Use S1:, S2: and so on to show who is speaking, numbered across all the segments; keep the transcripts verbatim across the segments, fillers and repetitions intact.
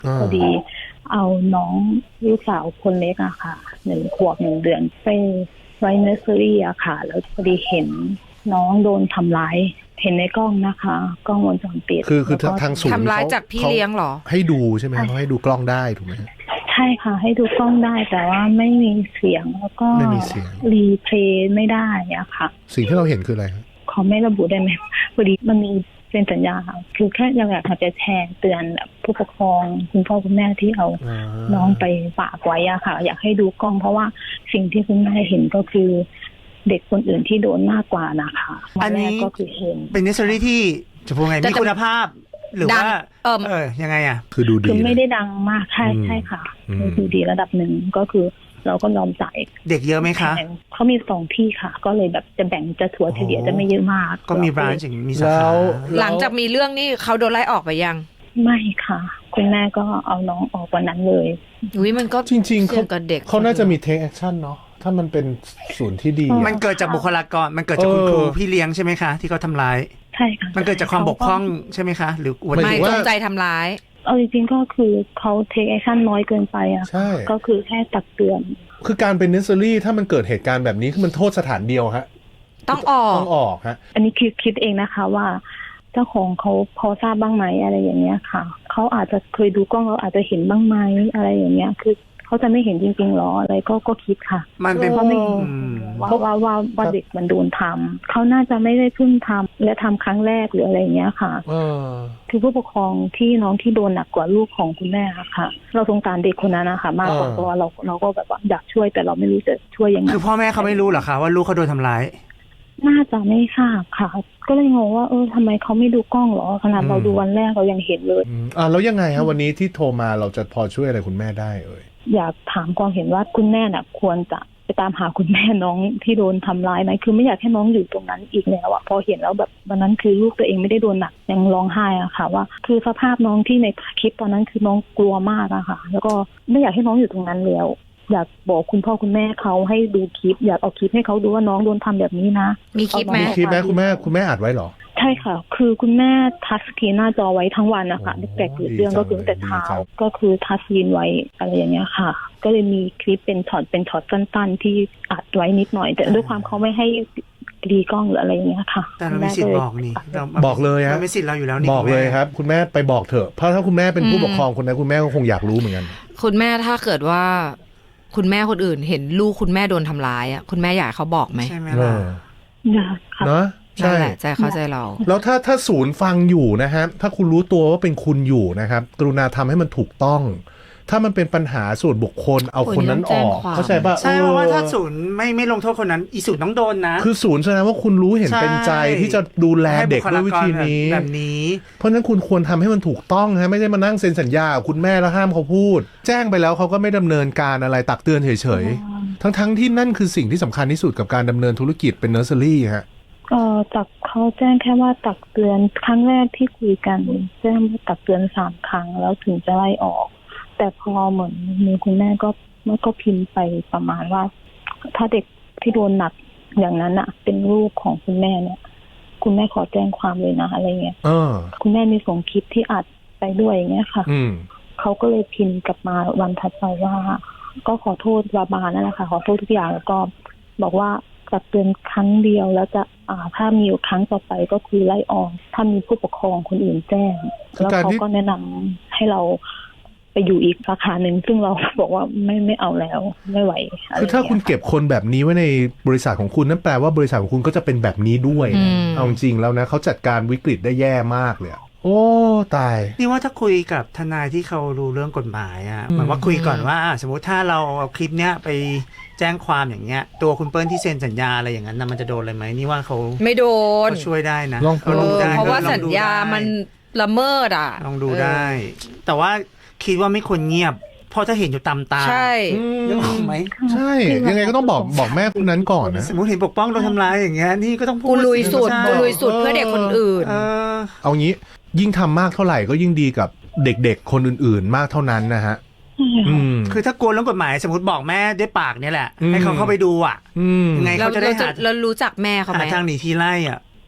S1: พอดีเอาน้องลูกสาวคนเล็กอะค่ะหนึ่งขวบหนึ่งเดือนไปไว้เนอร์เซอรี่อะค่ะแล้วพอดีเห็นน้องโดนทำร้ายเห็นในกล้องนะคะกล้องวงจรปิด
S2: คือคือทางศูนย์
S3: ทำร้ายจากพี่เลี้ยงหรอ
S2: ให้ดูใช่ไหมเขาให้ดูกล้องได้ถูกไหม
S1: ใช่ค่ะให้ดูกล้องได้แต่ว่าไม่มีเสียงแล้วก็
S2: ไม่มีเสียง
S1: รีเพลย์ไม่ได้อะค่ะ
S2: สิ่งที่เราเห็นคืออะไร
S1: เขาไม่ระบุได้ไหมพอดีมันมีเป็นสัญญาค่ะคือแค่อยากจะแชร์เตือนแบบผู้ปกครองคุณพ่อคุณแม่ที่เอาน้องไปฝากไว้อะค่ะอยากให้ดูกล้องเพราะว่าสิ่งที่คุณแม่เห็นก็คือเด็กคนอื่นที่โดนมากกว่านะคะ
S4: อันนี้
S1: ก็คือเห็น
S4: เป็นเนสเซอรี่ที่จะพูดไงมีคุณภาพหรือว่าเออเออยังไงอ่ะ
S2: คือดูดี
S1: คือไม่ได้ดังมากใช่ใช่ค่ะดูดีระดับหนึ่งก็คือเราก็ยอมจ่าย
S4: เด็กเยอะไหมคะ
S1: เขามีสองที่ค่ะก็เลยแบบจะแบ่งจะถัวเฉลี่ยจะไม่เยอะมาก
S4: ก็มีร้านจริงมีสาขา
S3: หลังจากมีเรื่องนี้เขาโดนไล่ออกไปยัง
S1: ไม่ค่ะคุณแม่ก็เอาน้องออกวันนั้นเลย
S3: อุ้ยมันก็
S2: จริงๆเขา
S3: กับเด็ก
S2: เขาน่าจะมี take action เนาะถ้ามันเป็นศูนย์ที่ดี
S4: มันเกิดจากบุคลากรมันเกิดจากคุณครูพี่เลี้ยงใช่ไหมคะที่เขาทำร้าย
S1: ใช่ค่ะ
S4: มันเกิดจากความบกพร่องใช่ไหมคะหรือ
S3: ไม่จงใจทำร้าย
S1: เอาจริงๆก็คือเขา take action น้อยเกินไปอะก็คือแค่ตักเตือน
S2: คือการเป็น nursery ถ้ามันเกิดเหตุการณ์แบบนี้คือมันโทษสถานเดียวฮะ
S3: ต้องออก
S2: ต้องออกฮะ
S1: อันนี้คิดคิดเองนะคะว่าเจ้าของเขาพอทราบบ้างไหมอะไรอย่างเงี้ยค่ะเขาอาจจะเคยดูกล้องเราอาจจะเห็นบ้างไหมอะไรอย่างเงี้ยคือเขาจะไม่เห็นจริงๆหรออะไรก็ก็คิดค่ะ
S4: มันเป็น
S1: เพราะไม่ว่าว่าว่าว่าเด็กมันโดนทำเขาน่าจะไม่ได้เพิ่งทำและทำครั้งแรกหรืออะไรอย่างเงี้ยค่ะคือผู้ปกครองที่น้องที่โดนหนักกว่าลูกของคุณแม่ค่ะเราสงสารเด็กคนนั้นนะคะมากกว่าตัวเราเราก็แบบว่าอยากช่วยแต่เราไม่รู้จะช่วยยังไง
S4: คือพ่อแม่เขาไม่รู้เหรอคะว่าลูกเขาโดนทำร้าย
S1: น่าจะไม่ทราบค่ะก็เลยงงว่าเออทำไมเขาไม่ดูกล้องหรอขนาดเราดูวันแรกเรายังเห็นเลย
S2: อ่าแล้วยังไงฮะวันนี้ที่โทรมาเราจะพอช่วยอะไรคุณแม่ได้เอ่ย
S1: อยากถามความเห็นว่าคุณแม่น่ะควรจะไปตามหาคุณแม่น้องที่โดนทำร้ายไหมคือไม่อยากให้น้องอยู่ตรงนั้นอีกแล้วอะพอเห็นแล้วแบบวันนั้นคือลูกตัวเองไม่ได้โดนหนักยังร้องไห้อะค่ะว่าคือสภาพน้องที่ในคลิปตอนนั้นคือน้องกลัวมากอะค่ะแล้วก็ไม่อยากให้น้องอยู่ตรงนั้นแล้วอยากบอกคุณพ่อคุณแม่เขาให้ดูคลิปอยากเอาคลิปให้เขาดูว่าน้องโดนทำแบบนี้นะ
S3: มีคลิปไหม
S2: มีคลิปไหมคุณแม่คุณแม่อัดไว้หรอ
S1: ใช่ค่ะคือคุณแม่ทัชสกรีนหน้าจอไว้ทั้งวันนะคะตั้งแต่เกิดเรื่องก็คือตั้งแต่เช้าก็คือทัชสกรีนไว้อะไรอย่างเงี้ยค่ะก็เลยมีคลิปเป็นช็อตเป็นช็อตสั้นๆที่อัดไว้นิดหน่อยแต่ด้วยความเขาไม่ให้ดีกล้องหรืออะไรอย่างเงี้ยค่ะ
S4: แต่เราไม่สิทธิ์บอกนี่
S2: บอกเลยฮะ
S4: เราไม่สิทธิ์เราอยู่แล้วนี่
S2: บอกเลยครับคุณแม่ไปบอกเถอะเพราะถ้าคุณแม่เป็นผู้ปกครองคนนั้นคุณแม่ก็คงอยากรู้เหมือนกัน
S3: คุณแม่ถ้าเกิดว่าคุณแม่คนอื่นเห็นลูกคุณแม่โดนทำร้ายอ่ะคุณแม่อยากเขาบอกไหม
S4: ใช่ไหมล่ะ
S1: เนาะ
S3: ใช่ใจเข้าใจเรา
S2: แล้วถ้าถ้าศูนย์ฟังอยู่นะฮะถ้าคุณรู้ตัวว่าเป็นคุณอยู่นะครับกรุณาทำให้มันถูกต้องถ้ามันเป็นปัญหาส่วนบุคคลเอาคนนั้นออกเข้าใจป่ะ
S4: ใช่เพราะว่าถ้าศูนย์ไม่ไม่ลงโทษคนนั้นอีศูนย์ต้องโดนนะ
S2: คือศูนย์แสดงว่าคุณรู้เห็นเป็นใจที่จะดูแลเด็กด้วยวิธีนี้
S4: แบบนี้
S2: เพราะฉะนั้นคุณควรทำให้มันถูกต้องฮะไม่ใช่มานั่งเซ็นสัญญาคุณแม่แล้วห้ามเขาพูดแจ้งไปแล้วเขาก็ไม่ดำเนินการอะไรตักเตือนเฉยๆทั้งๆที่นั่นคือสิ่งที่สำคัญที่สุดกับการดำเนินธุรกิจเป็นเนอร์เซอรี่ฮะ
S1: เอ่อตักเขาแจ้งแค่ว่าตักเตือนครั้งแรกที่คุยกันแจ้งว่าตักเตือนสามครั้งแล้วถึงจะไล่ออกแต่พอเหมือนมีคุณแม่ก็มันก็พิมพ์ไปประมาณว่าถ้าเด็กที่โดนหนักอย่างนั้นอะเป็นลูกของคุณแม่เนี่ยคุณแม่ขอแจ้งความเลยนะอะไรเงี้ยคุณแม่มีส่งคลิปที่อัดไปด้วยอย่างเงี้ยค่ะเขาก็เลยพิมพ์กลับมาวันถัดไปว่าก็ขอโทษวาบานั่นแหละค่ะขอโทษทุกอย่างแล้วก็บอกว่าตักเตือนครั้งเดียวแล้วจะอ่าถ้ามีครั้งต่อไปก็คือไล่ออกถ้ามีผู้ปกครองคนอื่นแจ้งแล้วเขาก็แนะนำให้เราไปอยู่อีกสาขาหนึ่งซึ่งเราบอกว่าไม่ไม่เอาแล้วไม่ไหว
S2: คือถ้าคุณเก็บคนแบบนี้ไว้ในบริษัทของคุณนั่นแปลว่าบริษัทของคุณก็จะเป็นแบบนี้ด้วยเอาจริงแล้วนะเขาจัดการวิกฤตได้แย่มากเลยโอ้ตาย
S4: นี่ว่าถ้าคุยกับทนายที่เขารู้เรื่องกฎหมายอ่ะเหมือนว่าคุยก่อนว่าสมมติถ้าเราเอาคลิปเนี้ยไปแจ้งความอย่างเงี้ยตัวคุณเปิ้ลที่เซ็นสัญญาอะไรอย่างนั้นนะมันจะโดนอะไรไหมนี่ว่าเขา
S3: ไม่โดน
S4: เขาช่วยได้นะ
S2: ลองดูได้
S3: เพราะว่าสัญญามันละเมิดอ่ะ
S4: ลองดูได้แต่ว่าคิดว่าไม่ควรเงียบเพราะถ้าเห็นอยู่ตามตา
S3: ใช่
S4: ยังออกไหม
S2: ใช่ยังไงก็ต้องบอกบอกแม่คนนั้นก่อนนะ
S4: สมมติเห็นปกป้องโดนทำร้ายอย่างเงี้ยนี่ก็ต้องพูด
S3: กูลุยสุดกูลุยสุดเพื่อเด็กคนอื่น
S2: เอางี้ยิ่งทำมากเท่าไหร่ก็ยิ่งดีกับเด็กๆคนอื่นๆมากเท่านั้นนะฮะ
S4: คือถ้ากลัวเรื่องกฎหมายสมมติบอกแม่ด้วยปากเนี่ยแหละให้เขาเข้าไปดูอ่ะยังไงเขาจะได้หา
S3: แล้วรู้จักแม่เขาไหม
S4: ทางหนีทีไล่อ่ะ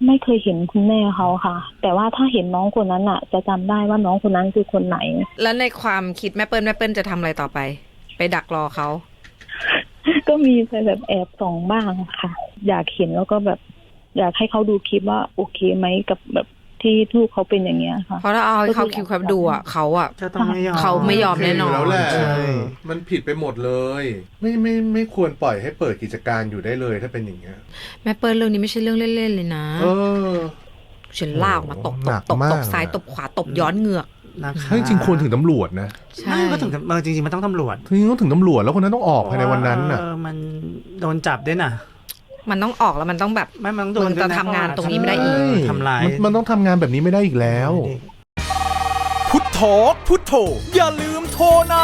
S1: ไม่เคยเห็นคุณแม่เขาค่ะ แต่ว่าถ้าเห็นน้องคนนั้นอ่ะ จะจำได้ว่าน้องคนนั้นคือคนไหน
S3: แล้วในความคิดแม่เปิ้ลแม่เปิ้ลจะทำอะไรต่อไป ไปดักรอเขา
S1: ก็มีไปแบบแอบส่องบ้างค่ะ อยากเห็นแล้วก็แบบ อยากให้เขาดูคลิปว่าโอเคไหมกับแบบที่ลูกเขาเป็นอย่างเงี้ยค่ะ
S3: เพราะถ้าเอาให้เขาคิวครับดูอ่ะเขาอ่ะ
S4: จะต้องไม่ยอม
S3: เขาไม่ยอมแน่นอน
S2: แล้วแหละ
S4: ใช่
S2: มันผิดไปหมดเลย ไม่ไม่ไม่ควรปล่อยให้เปิดกิจการอยู่ได้เลยถ้าเป็นอย่างเงี้ย
S3: แม่เปิ้ลเรื่องนี้ไม่ใช่เรื่องเล่นๆเลยนะ
S2: เออ
S3: ฉันลากมาตบ
S2: ห
S3: ต
S2: นั
S3: บ
S2: ก
S3: ตบ
S2: มาก
S3: ตบซ้ายตบขวาตบย้อนเหงือก
S4: นะคะ
S2: ถ้าจริงๆควรถึงตำรวจนะ
S3: ใช่
S4: ไม่ก็ถึงเออจริงๆมันต้องตำรวจ
S2: จริงๆต้องถึงตำรวจแล้วคนนั้นต้องออกภายในวันนั้นน่ะ
S4: เออมันโดนจับด้วยน่ะ
S3: มันต้องออกแล้วมันต้องแบบ
S4: ไม่มันต้องโดน
S3: มันจะ
S4: ด้วยน
S3: ทำงานตรงนี้ไม่ได้อีก
S2: ใช่
S4: ทำร้าย
S2: มันมันต้องทำงานแบบนี้ไม่ได้อีกแล้ว
S5: พุทโธพุทโธอย่าลืมโทรนะ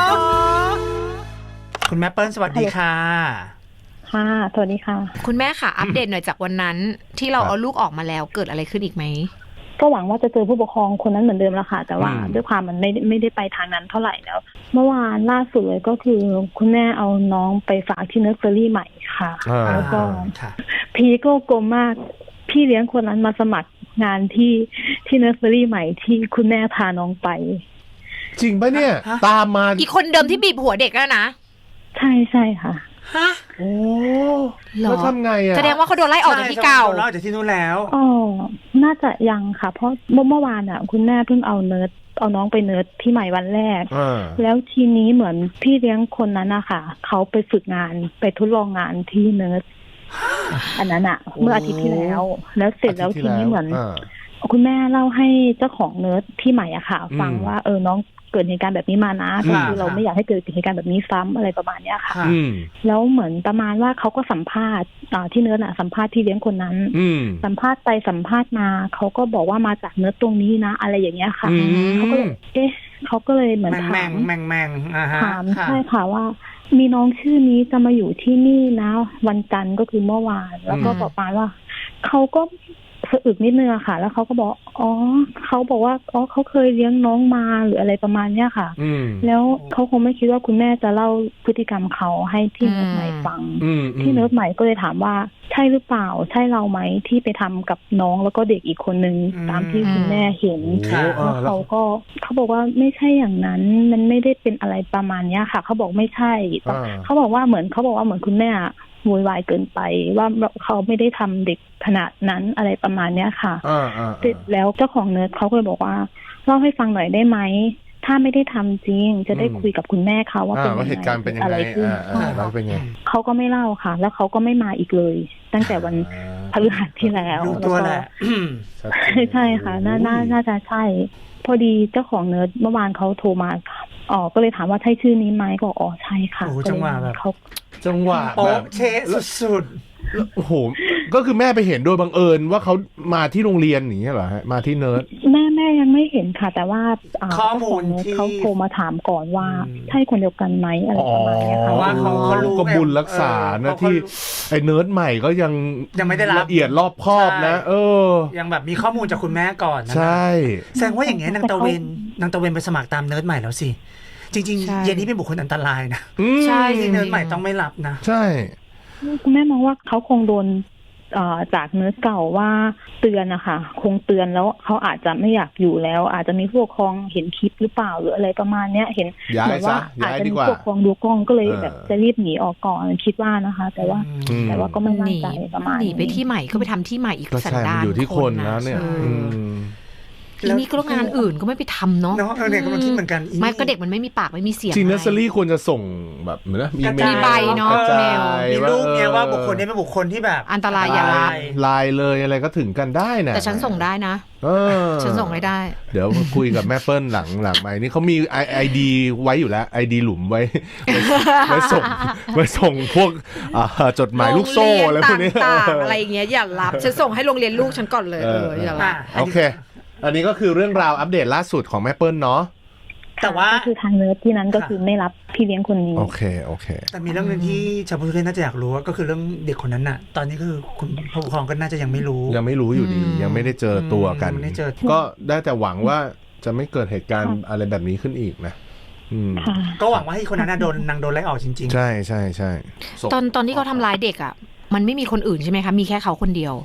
S4: คุณแม่เปิ้ลสวัสดีค่ะ
S1: ค่ะ สวัสดีค่ะ
S3: คุณแม่ค่ะ อัปเดตหน่อยจากวันนั้น ที่เรา
S2: ครับ
S3: เอาลูกออกมาแล้วเกิดอะไรขึ้นอีกไหม
S1: ก็หวังว่าจะเจอผู้ปกครองคนนั้นเหมือนเดิมแล้วค่ะ แต่ว่า
S2: อืม
S1: ด้วยความมันไม่ไม่ได้ไปทางนั้นเท่าไหร่แล้ว เมื่อวานล่าสุดเลยก็คือคุณแม่เอาน้องไปฝากที่เนอร์เซอรี่ใหม่ค่ะ
S2: อ่า
S1: แล้วก็
S4: ค่ะ
S1: พีก็กลมมาก พี่เลี้ยงคนนั้นมาสมัครงานที่ที่เนอร์เซอรี่ใหม่ที่คุณแม่พาน้องไป
S2: จริงปะเนี่ย
S4: ฮะ
S2: ตามมา
S3: อีกคนเดิมที่บีบหัวเด็กแล้วนะ
S1: ใช่ใช่ค่ะ
S4: ฮะ
S2: โอ้
S3: หรอ
S2: แล้วทำไงอ่ะ
S3: แสดงว่าเขาโดนไล่ออกจากที่เก่า
S4: ใช่โดนไล่ออกจากที่นู้นแล้ว
S1: อ๋อ น่าจะยังค่ะ เพราะเมื่อเมื่อวานอ่ะ คุณแม่เพิ่งเอาเนิร์ดเอาน้องไปเนิร์ดที่ใหม่วันแรก
S2: อ่า
S1: แล้วทีนี้เหมือนพี่เลี้ยงคนนั้นนะคะเขาไปฝึกงานไปทดลองงานที่เนิร์ดอันนั้นอะเมื่ออาทิตย์ที่แล้ว แล้วเสร็จแล้วทีนี้เหมือน
S2: า
S1: คุณแม่เล่าให้เจ้าของเนิร์ดที่ใหม่อะค่ะ ฟัง
S2: อืม
S1: ว่าเออน้องเกิดเหตุการณ์แบบนี้มานะ
S2: อืม
S1: ก็คือเราไม่อยากให้เกิดเหตุการณ์แบบนี้ซ้ำอะไรประมาณเนี้ยค่ะ
S4: ค่ะ
S2: อืม
S1: แล้วเหมือนประมาณว่าเขาก็สัมภาษณ์อ่าที่เนิร์ดอะสัมภาษณ์ที่เลี้ยงคนนั้น
S2: อืม
S1: สัมภาษณ์ไปสัมภาษณ์มาเขาก็บอกว่ามาจากเนิร์ดตรงนี้นะ อะไรอย่างเงี้ยค่ะ
S2: อืม
S1: เขาก็เลยเอ๊ะเขาก็เลยเหมือน
S4: แมง
S1: ถา
S4: แมง
S1: ม
S4: แมงแมงอ่าฮะ
S1: ถาม
S4: ค่ะ
S1: ใช่ค่ะว่า มีน้องชื่อนี้จะมาอยู่ที่นี่นะ วันจันทร์ก็คือเมื่อวาน แล้วก็
S3: อืม
S1: บอกมาว่าเขาก็สะอึกนิดนึงอะค่ะ แล้วเขาก็บอกอ๋อเขาบอกว่าอ๋อเขาเคยเลี้ยงน้องมาหรืออะไรประมาณเนี้ยค่ะ
S2: อืม
S1: แล้วเขาคงไม่คิดว่าคุณแม่จะเล่าพฤติกรรมเขาให้ที่เนิร์ดใหม่ฟัง
S2: อืม
S1: ที่เนิร์ดใหม่ก็เลยถามว่าใช่หรือเปล่า ใช่เราไหมที่ไปทำกับน้องแล้วก็เด็กอีกคนนึง
S4: อืม
S1: ตามที่คุณแม่เห็น
S2: โอ้อ่า
S1: แล้ว
S2: แล้ว
S1: เขาก็เขาบอกว่าไม่ใช่อย่างนั้นมันไม่ได้เป็นอะไรประมาณเนี้ยค่ะเขาบอกไม่ใช่
S2: อ่า
S1: เขาบอกว่าเหมือนเขาบอกว่าเหมือนคุณแม่โวยวายเกินไป ว่าเขาไม่ได้ทำเด็กขนาดนั้นอะไรประมาณเนี้ยค่ะ
S2: อ่าอ่า
S1: เสร็จแล้วเจ้าของเนิร์ดเขาก็เลยบอกว่าเล่าให้ฟังหน่อยได้ไหมถ้าไม่ได้ทำจริง จะได้คุยกับคุณแม่เขาว่า
S2: อ่า
S1: เป็นยัง
S2: ว่า
S1: ไง
S2: เหตุการณ์เป็นยัง
S1: อะ
S2: ไง
S1: ไรขึ้น
S2: อ่าอ่าแล้วเป็นไง
S1: เขาก็ไม่เล่าค่ะ แล้วเขาก็ไม่มาอีกเลย ตั้งแต่วันพฤหัสที่แล้ว
S4: รู้ตัวแหละ
S2: ชัด
S1: ใช่
S2: เจน
S1: ใช่ค่ะน่าน่าน่าจะใช่ พอดีเจ้าของเนิร์ดเมื่อวานเขาโทรมาอ๋อก็เลยถามว่าใช่ชื่อนี้ไหมก็อ๋อใช่ค่ะ
S4: โอ้โห
S1: ก็เลย
S4: จังหวะแบบ
S1: เขา
S2: จังหวะแบ
S4: โป๊ะ
S2: บ
S4: เชะสุด
S2: โอ้โห ก็คือแม่ไปเห็นโดยบังเอิญว่าเขามาที่โรงเรียนอย่างเงี้ยเหรอฮะ มาที่เนิร์ด
S1: แม่แม่ยังไม่เห็นค่ะ แต่ว่าา
S4: ข้อมูล
S1: เจ้าของเนิร์ด
S4: ที่
S1: เขาโทรมาถามก่อนว่า
S4: อืม
S1: ใช่คนเดียวกันไหมอะไรประมาณเนี้ยค่ะ
S4: เพราะว่าเขาเขารู้
S2: ก็บุญรักษา
S4: เออ
S2: นะ
S4: เขา
S2: ที่
S4: เขา
S2: ไอ้เนิร์ดใหม่ก็ยัง
S4: ยังไม่ได้รับ
S2: ละเอียดรอบคอบนะ
S4: ใช่
S2: เออ
S4: ๆยังแบบมีข้อมูลจากคุณแม่ก่อนนะ
S2: ใช่
S4: แสดงว่าอย่างเงี้ยนางตะเวนนางตะเวนไปสมัครตามเนิร์ดใหม่แล้วสิ จริง
S3: ใช่
S4: ๆ เย็นนี้เป็นบุคคลอันตรายนะ
S2: อืม
S3: ใช่
S4: ที่เนิร์ดใหม่ต้องไม่รับนะ
S2: ใช่
S1: คุณแม่มองว่าเขาคงโดนเอ่อจากเนิร์ดเก่าว่าเตือนนะคะคงเตือนแล้วเขาอาจจะไม่อยากอยู่แล้ว อาจจะมีผู้ปกครองเห็นคลิปหรือเปล่าหรืออะไรประมาณเนี้ยเห็น
S2: ย้า
S1: เหมื
S2: ย
S1: อน
S2: ซะ
S1: ว่าอา
S2: ย้า
S1: จ
S2: ย
S1: จะ
S2: ดี
S1: มี
S2: กว่า
S1: ผู้ปกครองดูกล้องก็เลย
S2: เออ
S1: แบบจะรีบหนีออกก่อนคิดว่านะคะ แต่ว่า
S2: อืม
S1: แต่ว่าก็ไม่
S3: ห
S1: มั่น
S3: นี
S1: ใจประมาณ
S3: หนีไปที่ใหม่ก็ไปทำที่ใหม่อีก
S2: ก็
S3: สัน
S2: ใช่
S3: ดา
S2: มัน
S3: น
S2: อยู่ที่คนแล้วเนี่ย
S3: ใช่
S2: อืม
S3: ทีนี้ก็งานอื่นก็ไม่ไปทำเนาะ
S4: เนาะเออเนี่ยกำลังคิดเหมือนกันอีนี่
S3: ไม่ก็เด็กมันไม่มีปากไม่มีเสียง
S2: จริงเนอร์เซอ
S3: ไ
S2: รี่ควรจะส่งแบบเหมือนนะมี
S4: กระ
S2: เม
S4: จา
S2: ล
S4: ย
S3: มีใบเนอะ
S2: กระจา
S3: เมล
S2: ย
S4: มีรูปเนี่ยว่า
S2: ออ
S4: บุคคลนี้เป็นบุคคลที่แบบ
S3: อันตรายอย่ารับ
S2: ไลน์เลยอะไรก็ถึงกันได้นะ
S3: แต่ฉันส่งได้นะ
S2: เออ
S3: ฉันส่งให้ได้
S2: เดี๋ยวคุยกับแม่เปิ้ลหลังหลังไปนี่เขามีไอไอดีไว้อยู่แล้วไอดีหลุมไว้ ไว้ไว้ส่งไว้ส่งพวกอ่าจดหมายลูกโซ่อะไรพวกนี้
S3: ต่างๆอะไรอย่างเงี้ยอย่ารับฉันส่งให้โรงเรียนลูกฉันก่อนเลยเอออย่ารับ
S2: โอเค อันนี้ก็คือเรื่องราวอัปเดตล่าสุดของแม่เปิ้ลเนาะ
S4: แต่ว่า
S1: ก็คือทางเนิร์ดที่นั้นก็คือไม่รับพี่เลี้ยงคนนี้
S2: โอเคโอเค
S4: แต่มีเรื่องหนึงที่ชาวพุทธน่าจะอยากรู้ก็คือเรื่องเด็กคนนั้นน่ะ ตอนนี้คือคุณผู้ปกครองก็น่าจะยังไม่รู้
S2: ยังไม่รู้อยู่ดี
S3: อืม
S2: ยังไม่ได้เจอตัวกัน
S4: ไม่ได้เจอ
S2: ก็ได้แต่หวังว่าจะไม่เกิดเหตุการณ์อะไรแบบนี้ขึ้นอีกนะอืม
S1: ค่ะ
S4: ก็หวังว่าให้คนนั้นน่ะโดนนางโดนไล่ออกจริงๆ
S2: ใช่ใช่ใช่ส่ง
S3: ตอนตอนที่เขาทำร้ายเด็กอ่ะ มันไม่มีคนอื่นใช่ไหมคะ มีแค่เขาคนเดียว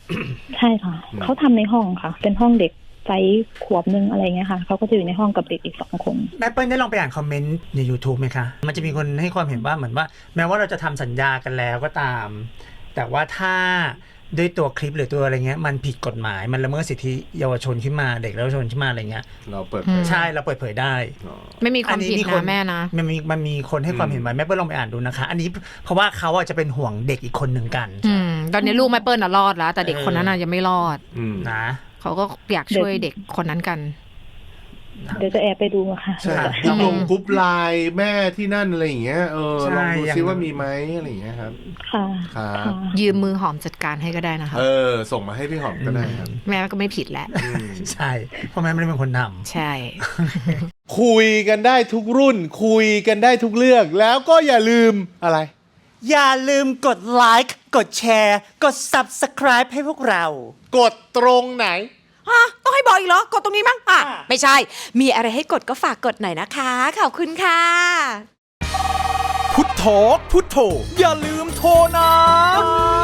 S1: ใช่ค่ะ
S2: อืม
S1: เขาทำในห้องค่ะ เป็นห้องเด็กไซส์ขวบนึงอะไรเงี้ยค่ะเขาก็จะอยู่ในห้องกับเด็กอีกสองคน
S4: แม่เปิ้ลได้ลองไปอ่านคอมเมนต์ใน YouTube ไหมคะ มันจะมีคนให้ความเห็นว่าเหมือนว่า แม้ว่าเราจะทำสัญญากันแล้วก็ตาม แต่ว่าถ้าด้วยตัวคลิปหรือตัวอะไรเงี้ยมันผิดกฎหมายมันละเมิดสิทธิเยาวชนขึ้นมาเด็กเยาวชนขึ้นมาอะไรเงี้ย
S2: เราเปิดเผย
S4: ใช่เราเปิดเผยได้
S2: อ๋อ
S3: ไม่มีความผิด
S4: อันนี้มีคน
S3: นะแม่นะ
S4: มันมีมันมีคนให้ความเห็นไว้แม่เปิ้ลลองไปอ่านดูนะคะ อันนี้เพราะว่าเขาอ่ะจะเป็นห่วงเด็กอีกคนหนึ่งกัน
S3: อืมตอนนี้ลูกแม่เปิ้ลน่ะรอดแล้ว แต่เด็กคนนั้นน่ะยังไม่รอด
S2: อืม
S4: นะ
S3: เขาก็อยากช่วยเด็กคนนั้นกัน
S1: เดี๋ยวจะแอบไปดูอะค่ะ
S2: ใช่ยังลงกรุ๊ปไลน์แม่ที่นั่นอะไรอย่างเงี้ยเออลองดูซิว่ามีไหมอะไรอย่างเงี้ยครับ
S1: ค่ะ
S2: ครับ
S1: ค่ะ
S3: ยืมมือหอมจัดการให้ก็ได้นะคะ
S2: เออ ส่งมาให้พี่หอมก็ได้ครับ
S3: แม่ก็ไม่ผิดแหละ
S2: อืม
S4: ใช่เพราะแม่ไม่ได้เป็นคนทำ
S3: ใช่
S2: คุยกันได้ทุกรุ่น คุยกันได้ทุกเรื่องแล้วก็อย่าลืมอะไร
S4: อย่าลืมกดไลค์กดแชร์กด Subscribe ให้พวกเรา
S2: กดตรงไหน
S6: ฮะต้องให้บอกอีกเหรอ กดตรงนี้มั้งอ่ะ
S4: อ่ะ
S6: ไม่ใช่ มีอะไรให้กดก็ฝากกดหน่อยนะคะ ขอบคุณค่ะ
S5: พุทโธพุทโธอย่าลืมโทรนะ